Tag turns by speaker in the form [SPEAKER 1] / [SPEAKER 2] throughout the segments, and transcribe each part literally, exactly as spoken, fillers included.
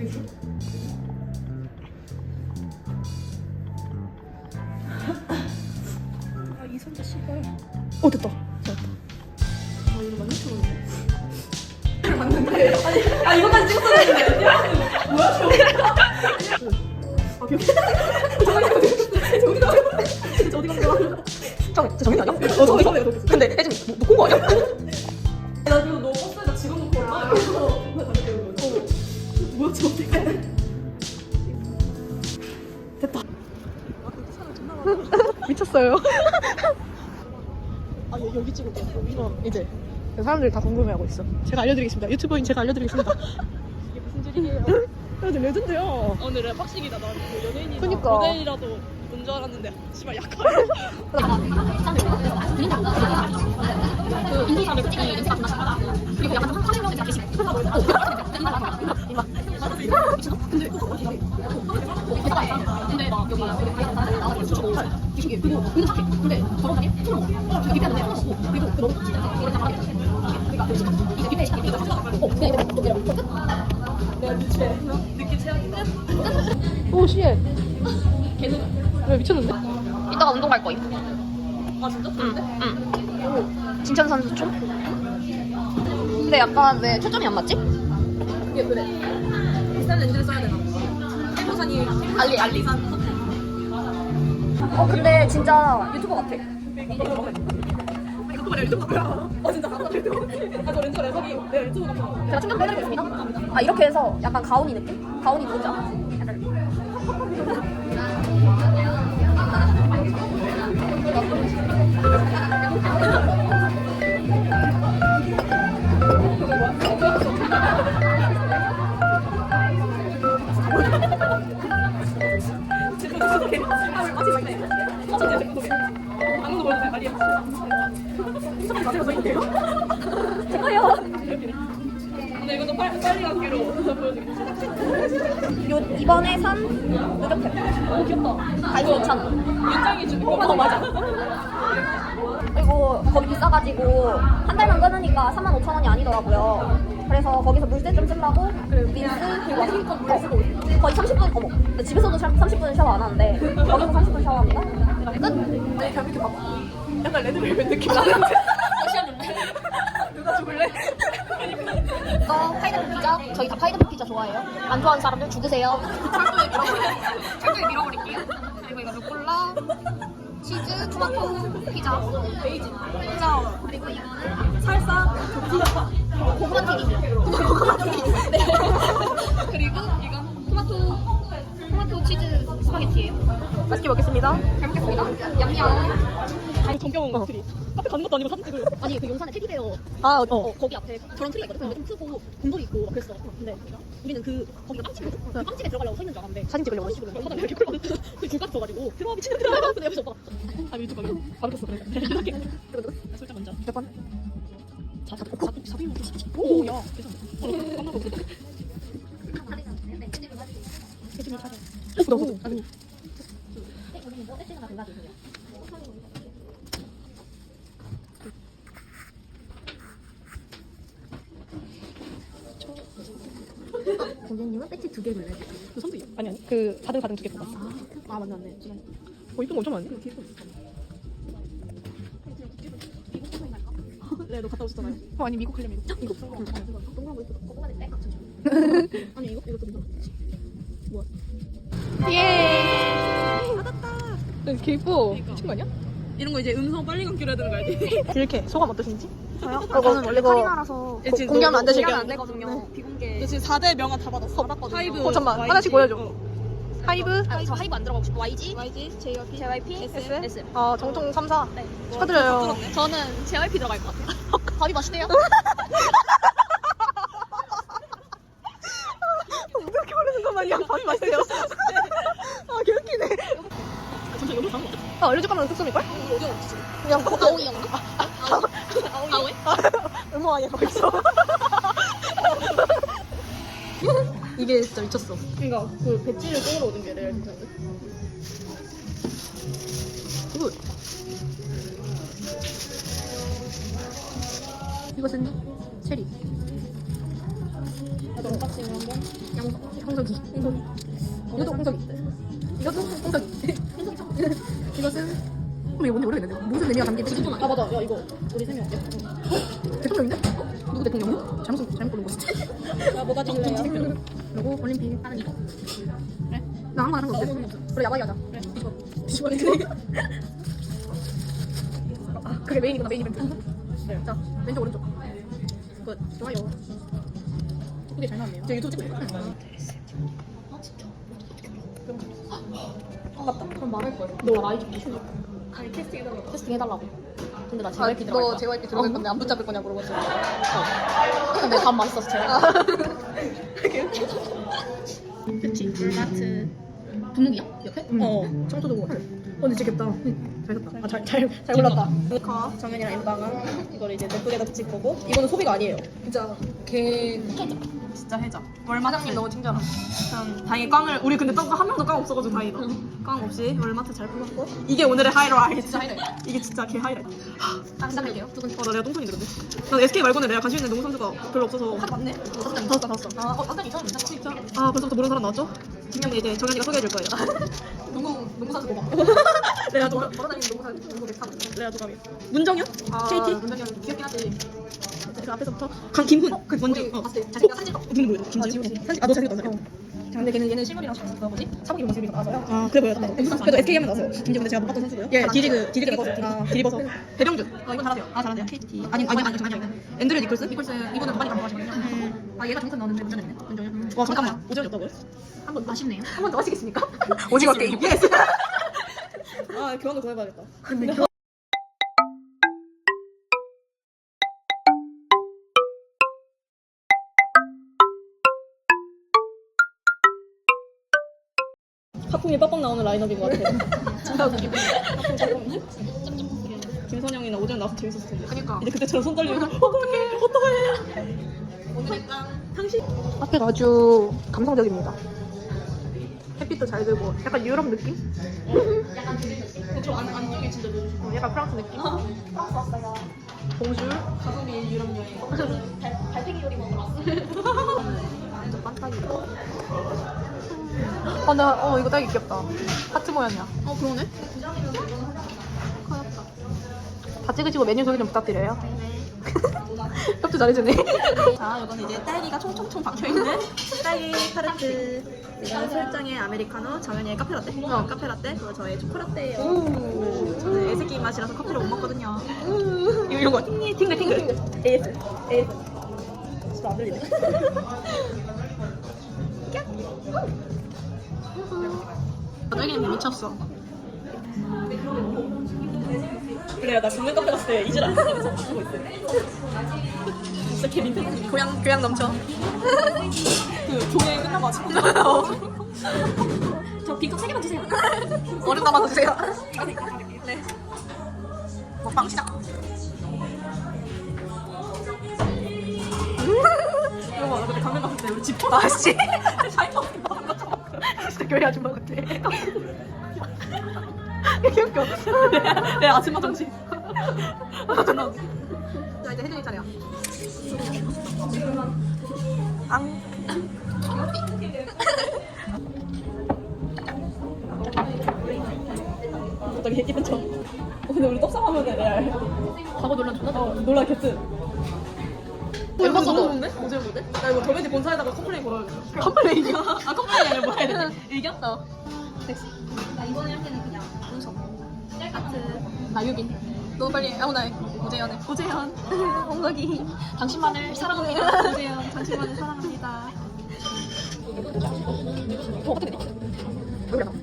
[SPEAKER 1] 아 이선자 씨발.
[SPEAKER 2] 어 됐다.
[SPEAKER 1] 아 이거 많이 좋은데. 맞는데. 아니 아 이거까지 찍었어야 했는데. 뭐야 저거? 아 기억. 저기 저기 어디 간 거야?
[SPEAKER 2] 정 정인 아니야?
[SPEAKER 1] 어 저기 가면 너
[SPEAKER 2] 근데 혜진이 뭐 놓고 온 거 아니야?
[SPEAKER 1] 나 지금 너 버스에다 지금 놓고 올라. 그래서 뭐야 저 어떻게? 됐다.
[SPEAKER 2] 미쳤어요. 아 여, 여기 찍을게. 이거 이제 사람들이 다 궁금해하고 있어. 제가 알려드리겠습니다. 유튜버인 제가 알려드리겠습니다.
[SPEAKER 1] 이게 무슨 줄이에요?
[SPEAKER 2] 근데 레전드야.
[SPEAKER 1] 오늘 랩박식이다. 나 연예인이다.
[SPEAKER 2] 그니까.
[SPEAKER 1] 모델이라도 본 줄 알았는데 씨발 약간.
[SPEAKER 3] 그 인도사를 솔직히 냄새가 좀 나시거나 그리고 약간 좀 화장실로 잡히시고 근데 막 여기 나와서 수치고 뒤식이 그리고 은근 착해 근데 저런 사람이 손을 먹어 저기 밑에 하는데 손을 먹고 그리고 그 너무 진짜 이걸 다 말해 그러니까 이제 밑에 시작이 이거 어 그냥 이렇게 좀 내려가 끝
[SPEAKER 1] 내가 미치해. 느낌 체험이 끝.
[SPEAKER 2] 오 씨.
[SPEAKER 1] 계속.
[SPEAKER 2] 왜 미쳤는데?
[SPEAKER 3] 이따가 운동 갈 거임
[SPEAKER 1] 아 진짜? 좋은데?
[SPEAKER 3] 응 진천 선수촌 근데 약간 왜 초점이 안 맞지?
[SPEAKER 1] 이게 그래. 비싼 렌즈를 써야 되나? 해보산이
[SPEAKER 3] 알리.
[SPEAKER 1] 알리산.
[SPEAKER 3] 어 근데 진짜 유튜버 같아
[SPEAKER 1] 이거 말이야 유튜브 같아. 어 진짜 아까 유튜브. 아저 렌즈가 내 석이 내가 유튜브 같아.
[SPEAKER 3] 제가 충격해드리겠습니다. 아 이렇게 해서 약간 가온이 느낌? 가온이 누군지 알아?
[SPEAKER 1] 아무도 모르는 말이야.
[SPEAKER 3] 제가요.
[SPEAKER 1] 근데 이것도 빨리 빨리 가기로 보여드릴게요.
[SPEAKER 3] 요 이번에 산 무격템.
[SPEAKER 1] 오 귀엽다.
[SPEAKER 3] 가격 이천 원.
[SPEAKER 1] 윤장이 주는 거. 어 맞아.
[SPEAKER 3] 그리고 거기 비싸가지고 한 달만 끊으니까 삼만 오천 원이 아니더라고요. 그래서 거기서 물세 좀 쓰려고 린스 그리고 어, 거의 삼십 분 어머 근데 집에서도 삼십 분 샤워 안 하는데 거기서 삼십 분 샤워합니다. 끝.
[SPEAKER 1] 아니 그냥 이렇게 막 약간 레드벨벳 느낌 나는데. 누가 죽을래?
[SPEAKER 3] 이거 파인애플 피자. 저희 다 파인애플 피자 좋아해요. 안 좋아하는 사람들 죽으세요.
[SPEAKER 1] 철도에 밀어버릴게요. 철도에 밀어버릴게요. 그리고 이거 루꼴라,
[SPEAKER 3] 치즈, 토마토 피자.
[SPEAKER 1] 베이지, 피자. 그리고 이거는 살사,
[SPEAKER 3] 고구마 튀김.
[SPEAKER 1] 고구마 튀김. 네. 그리고 이건 토마토,
[SPEAKER 3] 토마토 치즈 스파게티예요.
[SPEAKER 2] 맛있게 먹겠습니다.
[SPEAKER 3] 잘 먹겠습니다. 얌얌.
[SPEAKER 1] 아니 정경 어. 트리. 카페 가는 것도 아니고 사진 찍을.
[SPEAKER 3] 아니 그 용산에 테디베어
[SPEAKER 2] 아 어.
[SPEAKER 3] 어, 거기 앞에 저런 트리가 있거든. 근데 좀 크고 곰돌이 있고 막 그랬어. 근데 우리는 그 거기가 빵집이거든. 그 빵집에 들어가려고 서 있는 줄 알았는데
[SPEAKER 2] 사진 찍으려고
[SPEAKER 3] 사진 찍으려고 사람이 이렇게 끌거든. 그 줄까지 서가지고 들어와 미친놈 들어와. 근데 옆에서 오빠가
[SPEAKER 1] 아 유튜브 가면 바로 켰어 그래. 이렇게. 솔직히 먼저.
[SPEAKER 2] 몇 번?
[SPEAKER 1] 자, 자, 자, 사비 오, 야, 괜찮아. 깜나고 그래.
[SPEAKER 3] 대충 찾아.
[SPEAKER 2] 너무 좋다.
[SPEAKER 3] 네, 거기는 뭐 엑스가 돼가지고. 선생님은 배지 두 개를 내주세요.
[SPEAKER 1] 그 선두
[SPEAKER 2] 아니 아니 그 가득 가득 두 개 뽑았어.
[SPEAKER 1] 아 맞네 맞네.
[SPEAKER 2] 어 이쁜 거 엄청 많네.
[SPEAKER 1] 네, 너 갔다 오셨잖아요.
[SPEAKER 2] 어 아니 미국 하려면 이거. 이거.
[SPEAKER 3] 동그란 거 있고 꼬꼬마는 백 맞춰줘.
[SPEAKER 1] 아니 이거 이것도 괜찮아. 뭐야?
[SPEAKER 2] 예. 받았다. 개 이뻐. 미친 거 아니야?
[SPEAKER 1] 이런 거 이제 음성 빨리 감기로 해야 되는 거 알지?
[SPEAKER 2] 이렇게 소감 어떠신지?
[SPEAKER 3] 저요?
[SPEAKER 2] 이거,
[SPEAKER 3] 저는 원래
[SPEAKER 2] 이거
[SPEAKER 3] 카리나라서
[SPEAKER 1] 예, 지금
[SPEAKER 2] 공개하면 안 되시게.
[SPEAKER 3] 공개하면 안 되거든요. 비공개.
[SPEAKER 1] 너 지금 사 대 명함 다 받았어. 받았거든요. 하이브.
[SPEAKER 2] 어 잠만
[SPEAKER 1] 와이지.
[SPEAKER 2] 하나씩 보여줘.
[SPEAKER 1] 어.
[SPEAKER 2] 하이브.
[SPEAKER 3] 아, 저 하이브 안 들어가고 싶어. 와이지,
[SPEAKER 1] 와이지, 제이와이피,
[SPEAKER 3] 제이와이피,
[SPEAKER 1] S.
[SPEAKER 3] S.
[SPEAKER 2] 아 정통 삼 사.
[SPEAKER 3] 네.
[SPEAKER 2] 축하드려요.
[SPEAKER 3] 저는 제이와이피 들어갈 것 같아요. 밥이 맛있대요.
[SPEAKER 2] 이렇게 모르는 것만이야. 밥이 맛있대요. 아 개웃기네.
[SPEAKER 1] 잠시 여기 가는 거
[SPEAKER 2] 아 알려줄 거면 특수일걸?
[SPEAKER 1] 어디 어디 없지?
[SPEAKER 2] 그냥 거,
[SPEAKER 3] 아오이였나?
[SPEAKER 1] 아오이?
[SPEAKER 2] 음모아니야 거 있어. 이게 진짜 미쳤어.
[SPEAKER 1] 그러니까 그 배지를 꺼으러 오는 게 내가 괜찮은데.
[SPEAKER 2] 굿. 이것은 체리.
[SPEAKER 1] 나도 언박싱을 한번.
[SPEAKER 3] 양
[SPEAKER 2] 홍석이. 홍석이. 이것도 홍석이. 이것도 홍석이. 이것은 어, 이거 뭔지 모르겠는데 무슨 의미가 담긴 지금 아 맞아 야 이거 우리 세 명 어때? 어? 대통령인데? 어? 누구 대통령이야? 잘못 쓴- 잘못 고른 거지.
[SPEAKER 3] 야, 뭐가 찍을래요?
[SPEAKER 2] 그리고 올림픽 하는 이거. 그래? 나 아무거나 하는 거 없어.
[SPEAKER 3] 우리 야바이 하자.
[SPEAKER 2] 그래. 뒤집어. 뒤집어. 아, 그게 메인이구나 메인 이벤트. 네. 자 왼쪽 오른쪽. 굿. 좋아요. 예쁘게 잘 나왔네요. 저 유튜브 찍고 있어. 아 진짜. 아 맞다. 그럼 말할 거야. 너 아이 좀 키워.
[SPEAKER 3] 아니, 캐스팅 해달라고.
[SPEAKER 2] 캐스팅 해달라고. 근데 나
[SPEAKER 3] 아,
[SPEAKER 2] 제이와이피 들어갈 거야.
[SPEAKER 3] 너 제이와이피 들어갈 건데 안 붙잡을 거냐 물어봤어.
[SPEAKER 2] 어. 근데 밥 맛있어서 제가. 그치. 물마트. 분무기야? 옆에?
[SPEAKER 3] 어.
[SPEAKER 2] 청소도구. 어, 근데 진짜 귀엽다. 잘 샀다. 아, 잘, 잘, 잘 골랐다.
[SPEAKER 3] 카 정연이랑 엠방은 이걸 이제 예쁘게다 붙일 거고 이거는 소비가 아니에요.
[SPEAKER 1] 진짜
[SPEAKER 2] 걔
[SPEAKER 1] 진짜 해자. 월마트 너무 친절함. 참 다행히 꽝을 우리 근데 꽝한 명도 꽝 없어가지고 다행이다. 꽝 없이 월마트 잘 풀었고 이게 오늘의 하이라이트.
[SPEAKER 2] 진짜 하이라이트.
[SPEAKER 1] 이게 진짜 개 하이라이트.
[SPEAKER 2] 시작할게요. 두 분.
[SPEAKER 1] 어, 나 내가 똥손인데 근데. 난 에스케이 말고는 내가 관심 있는 농구 선수가 별로 없어서.
[SPEAKER 2] 하도 많네. 다섯 장, 다섯 장, 다섯 장. 아, 어, 당장 있었는데. 진짜.
[SPEAKER 1] 아 벌써부터 모르는 사람 나왔죠? 분명히 이제 정현이가 소개해 줄 거예요.
[SPEAKER 2] 농구, 농구 선수 고마워.
[SPEAKER 1] 레아 도감.
[SPEAKER 2] 걸어다니는 농구 선수, 농구 백삼.
[SPEAKER 1] 레아 도감이. 문정현?
[SPEAKER 2] 아,
[SPEAKER 1] 케이티?
[SPEAKER 2] 문정이 형 귀엽긴 하지.
[SPEAKER 1] 그 앞에서부터 강 김훈. 그 먼저.
[SPEAKER 2] 우리
[SPEAKER 1] 어.
[SPEAKER 2] 봤을 때 잘생긴 사진 찍어.
[SPEAKER 1] 누구 누구? 김지훈. 사진. 아너 잘생겼다.
[SPEAKER 2] 어. 자, 근데 걔는 얘는 실물이랑 그 뭐지? 사복 입은 모습이 나와서요.
[SPEAKER 1] 아 그래 보여.
[SPEAKER 2] 네.
[SPEAKER 1] 그래도 에스케이 하면 나왔어요. 김지훈 근데 제가 못 봤던 선수고요. 예, 디리그 디리그
[SPEAKER 2] 디리버서.
[SPEAKER 1] 아 디리버서. 배병준.
[SPEAKER 2] 어, 이건 잘하세요.
[SPEAKER 1] 아 잘한대요. 케이티. 아니 아니 아니 아니 아니. 앤드류 니콜슨?
[SPEAKER 2] 니콜스 이번에 도반이 감독하시거든요. 아, 얘가 종선 넣었는데 문제는 있네. 문정현.
[SPEAKER 1] 와 잠깐만. 오전이 없다고요?
[SPEAKER 2] 한번 아쉽네요. 한 번 더 하시겠습니까?
[SPEAKER 1] 오징어 게임. 예스. 아 교환도 더 해봐야겠다.
[SPEAKER 2] 근데 교...
[SPEAKER 1] 하품이 빡빡 나오는 라인업인 것 같아.
[SPEAKER 2] 진짜 웃기네.
[SPEAKER 1] 김선영이나 오전 나와서 재밌었을 텐데.
[SPEAKER 2] 그니까.
[SPEAKER 1] 이제 그때처럼 손 떨리고 어떡해 어떡해.
[SPEAKER 2] 오늘의 깡.
[SPEAKER 1] 당신.
[SPEAKER 2] 앞에가 아주 감성적입니다. 햇빛도 잘 들고 약간 유럽 느낌?
[SPEAKER 1] 저 안, 안쪽이 진짜 너무
[SPEAKER 2] 어, 약간 프랑스 느낌?
[SPEAKER 3] 프랑스 왔어요.
[SPEAKER 2] 봉줄?
[SPEAKER 1] 가성비 유럽 여행.
[SPEAKER 3] 달, 달팽이 요리 먹으러 왔어.
[SPEAKER 2] 완전 반딱이다. 어, 나, 어, 이거 딸기 귀엽다. 하트 모양이야.
[SPEAKER 1] 어 그러네.
[SPEAKER 2] 커였다. 다 찍으시고 메뉴 소개 좀 부탁드려요. 협조 잘해주네.
[SPEAKER 1] 자 이건 이제 딸기가 총총총 박혀있는 딸기 타르트. 이건 설정의 아메리카노, 정연이의 카페라떼. 어 카페라떼. 그리고 저의 초코라떼예요. 저는 애새끼 맛이라서 커피를 못 먹거든요. 이거 이런 거 팅글 팅글 팅글. 에이스 에이스. 진짜 안 들리네.
[SPEAKER 2] 딸기는 미쳤어.
[SPEAKER 1] 그래요 나 국내 카페 갔을 때 이질 안 하면서 주고 있어요. 진짜 개 민폐.
[SPEAKER 2] 교양, 교양 넘쳐.
[SPEAKER 1] 그 교회 끝나고 아침
[SPEAKER 3] 저 빈컵 세 개만 주세요.
[SPEAKER 2] 얼음 담아서 주세요. 네. 먹방 시작.
[SPEAKER 1] 이거 봐, 나 그때 강릉 갔을 때 우리 집
[SPEAKER 2] 아씨.
[SPEAKER 1] 자이퍼 먹은 것처럼.
[SPEAKER 2] 진짜 교회 아줌마 같아. 귀엽겨.
[SPEAKER 1] 내 아침마 정신. 존나 웃겨.
[SPEAKER 2] 자, 이제 혜준이 차례야. 앙.
[SPEAKER 1] 갑자기 얘기한 척. 어, 근데 우리 떡상하면 레알.
[SPEAKER 2] 과거 논란 존나
[SPEAKER 1] 어, 놀라 개뜬.
[SPEAKER 2] 멤버도
[SPEAKER 1] 너무 좋은데? 어제 보대? 나 이거 더베지 본사에다가 컴플레인 걸어야겠다.
[SPEAKER 2] 컴플레인이야.
[SPEAKER 1] 아 컴플레인이 아니라 뭐 해야 되지? 의견?
[SPEAKER 2] 어.
[SPEAKER 3] 나 이번에 할 때는 그냥 문석. 셀카트.
[SPEAKER 2] 나유빈. 너무 빨리 아무나 오재현해.
[SPEAKER 1] 오재현.
[SPEAKER 2] 홍석이.
[SPEAKER 3] 당신만을 사랑해요.
[SPEAKER 1] 오재현. 당신만을 사랑합니다.
[SPEAKER 2] 어, 어떻게 되지? 여기 나.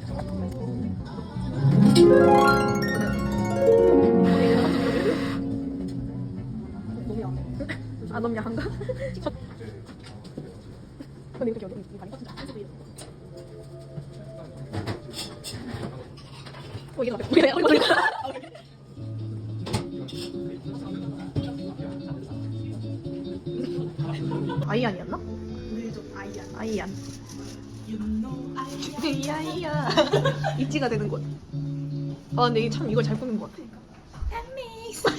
[SPEAKER 2] 너무 야한데? 아 너무 야한가? 첫... 근데 이렇게 여기 많이 빠진다. 어 이게 나 우리가 우리가 아이안이었나? 아이안. 아이야. 입지가 되는 곳. 아 근데 이게 참 이걸 잘 꾸민 것 같아.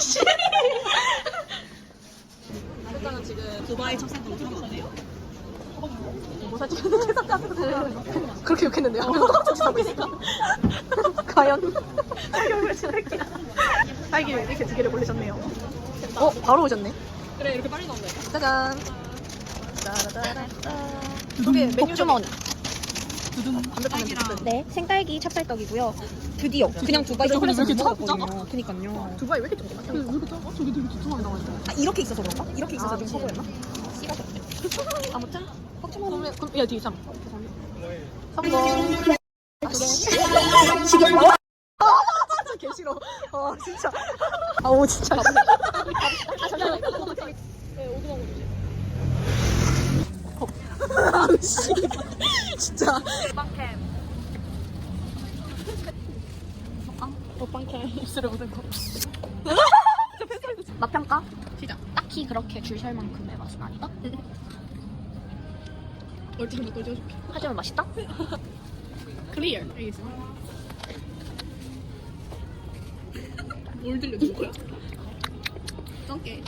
[SPEAKER 1] 일단은 지금 두바이 첫 생으로 들어갔네요. 뭐 사지? 그렇게 욕했는데요. 똑같이 하고 있으니까. 과연 사격을 지낼게요. 딸기를 이렇게 두 개를 고르셨네요. 어, 바로 오셨네.
[SPEAKER 2] 그래 이렇게 빨리 나온다.
[SPEAKER 1] 짜잔. 짜라라라따. 저게 메뉴
[SPEAKER 3] 복주머니.
[SPEAKER 1] 담백한 메뉴.
[SPEAKER 3] 네, 생딸기 찹쌀떡이고요. 드디어 그냥 두바이
[SPEAKER 2] 저거 왜
[SPEAKER 3] 초콜릿을
[SPEAKER 2] 이렇게
[SPEAKER 3] 못
[SPEAKER 2] 작아?
[SPEAKER 3] 먹었거든요. 그니까요.
[SPEAKER 1] 두바이 왜 이렇게 조그맣
[SPEAKER 2] 왜 이렇게 작아? 저게 되게 두툼하게 나와 있어.
[SPEAKER 3] 아, 이렇게 있어서 그런가? 이렇게 있어서
[SPEAKER 1] 아,
[SPEAKER 3] 좀 커 보였나? 씨가 아무튼 복주머니.
[SPEAKER 2] 그럼 그럼 야 뒤에 참.
[SPEAKER 1] 성공.
[SPEAKER 3] 지금
[SPEAKER 1] 개 싫어. 어, 진짜. 아, 오, 진짜.
[SPEAKER 3] 아 잠시만요.
[SPEAKER 1] 씨. 진짜. 입술에 묻은 거.
[SPEAKER 3] 맛 평가?
[SPEAKER 2] 시작.
[SPEAKER 3] 딱히 그렇게 줄 설 만큼의 맛은 아니다.
[SPEAKER 2] 얼짱 몇 져줄게.
[SPEAKER 3] 하지만 맛있다.
[SPEAKER 2] 클리어. 알겠어. 뭘 들려줄 거야? 짱게.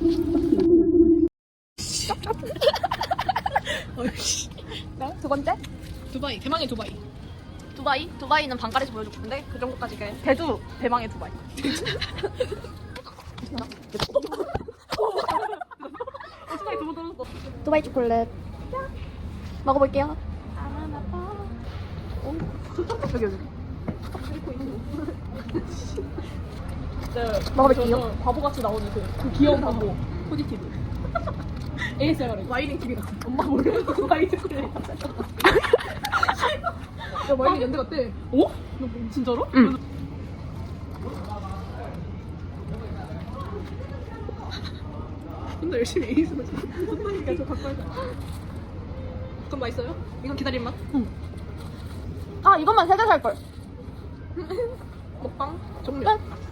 [SPEAKER 3] 네, 두 번째.
[SPEAKER 2] 두바이. 대망의 두바이.
[SPEAKER 3] 두바이. 두바이는 반가리에서 보여줬는데 그 정도까지 게 대두 대망의 두바이. 두바이 초콜릿 먹어볼게요.
[SPEAKER 1] 여기, 여기.
[SPEAKER 3] 먹어볼게요.
[SPEAKER 2] 바보같이 나오는 그, 그 귀여운 바보. 포지티브. 에이에스엠알. 와이링 티비 같은. 엄마 몰래 와이링 티비. 야 와이링 연대 같대. 어? 너 뭐, 진짜로?
[SPEAKER 3] 응.
[SPEAKER 2] 혼자 열심히 에이스로 혼나니까 저 갖고 와야 그건 맛있어요? 이건 기다린 맛?
[SPEAKER 3] 아 이것만 세 개 살 걸.
[SPEAKER 2] 먹방 종료.
[SPEAKER 3] 끝.